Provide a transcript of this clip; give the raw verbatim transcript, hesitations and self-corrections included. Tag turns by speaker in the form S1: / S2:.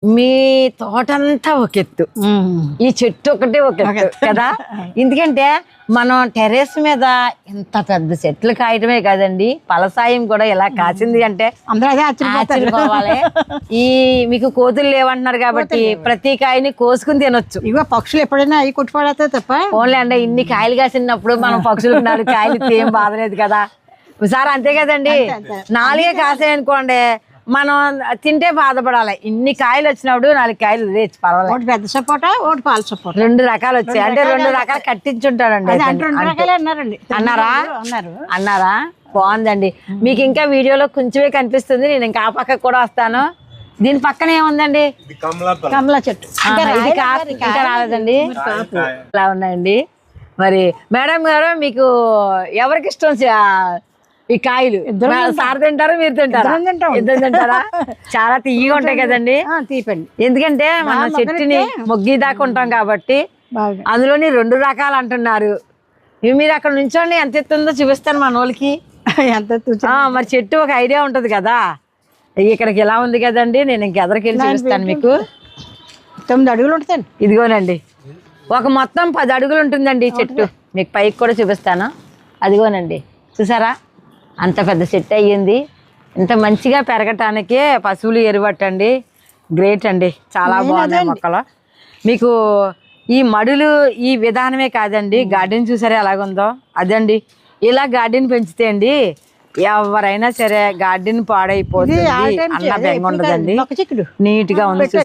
S1: మీ తోటంతా ఒక ఎత్తు, ఈ చెట్టు ఒకటి ఒక ఎత్తు కదా. ఎందుకంటే మనం టెర్రస్ మీద ఇంత పెద్ద చెట్లు కాయటమే కాదండి, పలసాయం కూడా ఇలా కాసింది అంటే
S2: అందరూ అదే ఆశ్చర్యపోవాలి.
S1: ఈ మీకు కోతులు లేవంటున్నారు కాబట్టి ప్రతి కాయని కోసుకుని తినొచ్చు.
S2: ఇగో పక్షులు ఎప్పుడైనా అవి కొట్టుపడతాయి తప్ప
S1: ఓన్లీ అంటే ఇన్ని కాయలు కాసినప్పుడు మనం పక్షులకు నాలుగు కాయలు ఇస్తే ఏం బాధలేదు కదా సార్, అంతే కదండి. నాలుగే కాసాయి అనుకోండి మనం తింటే బాధపడాలి. ఇన్ని కాయలు వచ్చినప్పుడు నాలుగు కాయలు తెచ్చి పర్వాలేదు.
S2: ఒకటి పెద్ద సపోటా, ఒకటి పాల సపోటా,
S1: రెండు రకాలు వచ్చాయి. అంటే రెండు రకాలు కట్టించుంటాడండి.
S2: అన్నారండి.
S1: అన్నారా
S2: అన్నారు
S1: అన్నారా బాగుందండి. మీకు ఇంకా వీడియోలో కొంచెమే కనిపిస్తుంది, నేను ఇంకా ఆ పక్కకు కూడా వస్తాను. దీని పక్కన ఏముందండి?
S2: కమలా చెట్టు.
S1: ఇది కాపు ఇంకా రాలేదండి, ఇలా ఉన్నాయండి. మరి మేడం గారు మీకు ఎవరికి ఇష్టం ఈ కాయలు? సార్ తింటారా మీరు తింటారా? ఇద్దరు తింటారా? చాలా తీయగా ఉంటాయి కదండి.
S2: తీపండి.
S1: ఎందుకంటే మనం చెట్టుని మొగ్గి దాకా ఉంటాం కాబట్టి. అందులోని రెండు రకాలు అంటున్నారు. మీరు అక్కడ నుంచోండి, ఎంత ఎత్తుందో చూపిస్తాను మన వాళ్ళకి.
S2: ఎంత
S1: మరి చెట్టు ఒక ఐడియా ఉంటది కదా. ఇక్కడికి ఎలా ఉంది కదండి, నేను ఇంకెదరికి వెళ్ళి చూపిస్తాను మీకు.
S2: తొమ్మిది అడుగులు ఉంటాయండి.
S1: ఇదిగోనండి, ఒక మొత్తం పది అడుగులు ఉంటుందండి చెట్టు. మీకు పైకి కూడా చూపిస్తాను. అదిగోనండి చూసారా, అంత పెద్ద చెట్టు అయ్యింది. ఇంత మంచిగా పెరగటానికే పశువులు ఎరువట్టండి. గ్రేట్ అండి, చాలా బాగున్నాయి మొక్కలు. మీకు ఈ మడులు ఈ విధానమే కాదండి, గార్డెన్ చూసారా ఎలాగుందో అదండి. ఇలా గార్డెన్ పెంచితే అండి ఎవరైనా సరే గార్డెన్ పాడైపోతుంది అన్న బెంగ ఉండదండి. నీట్గా ఉంది.